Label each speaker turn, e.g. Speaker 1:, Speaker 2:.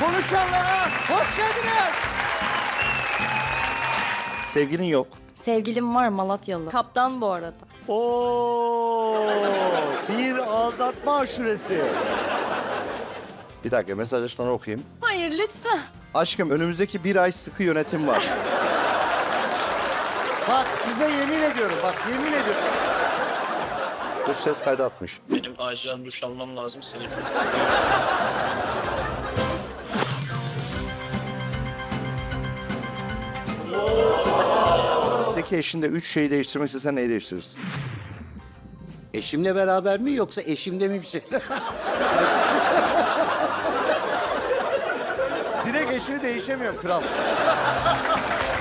Speaker 1: Konuşanlara hoş geldiniz. Sevgilin yok.
Speaker 2: Sevgilim var, Malatyalı. Kaptan bu arada.
Speaker 1: Oo, bir aldatma aşuresi. Bir dakika, mesajlaşmaları okuyayım.
Speaker 2: Hayır lütfen.
Speaker 1: Aşkım, önümüzdeki bir ay sıkı yönetim var. Bak size yemin ediyorum, bak yemin ediyorum. Dur, ses kaydı atmış.
Speaker 3: Benim acilen duş almam lazım, seni çok...
Speaker 1: Peki eşinde 3 şeyi değiştirmek istesen neyi değiştirirsin?
Speaker 4: Eşimle beraber mi yoksa eşimde mi bir şey?
Speaker 1: Direkt eşini değişemiyor kral.